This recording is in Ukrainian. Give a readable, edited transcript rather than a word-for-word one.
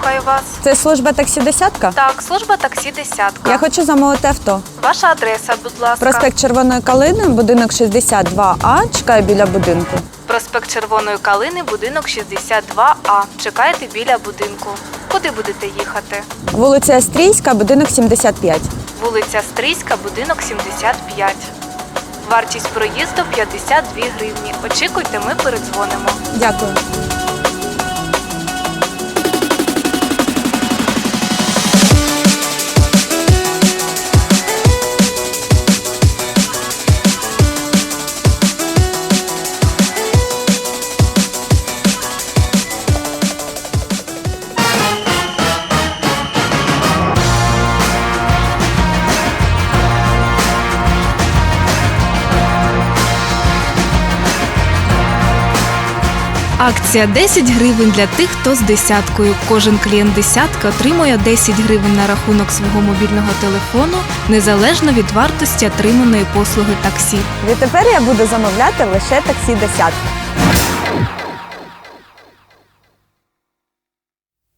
слухаю вас. Це служба таксі «Десятка»? Так, служба таксі «Десятка». Я хочу замовити авто. Ваша адреса, будь ласка. Проспект Червоної Калини, будинок 62А. Чекаю біля будинку. Проспект Червоної Калини, будинок 62А. Чекаєте біля будинку. Куди будете їхати? Вулиця Астрійська, будинок 75. Вулиця Стрийська, будинок 75. Вартість проїзду 52 гривні. Очікуйте, ми передзвонимо. Дякую. Акція 10 гривень для тих, хто з «Десяткою». Кожен клієнт «Десятки» отримує 10 гривень на рахунок свого мобільного телефону, незалежно від вартості отриманої послуги таксі. Відтепер я буду замовляти лише таксі «Десятка».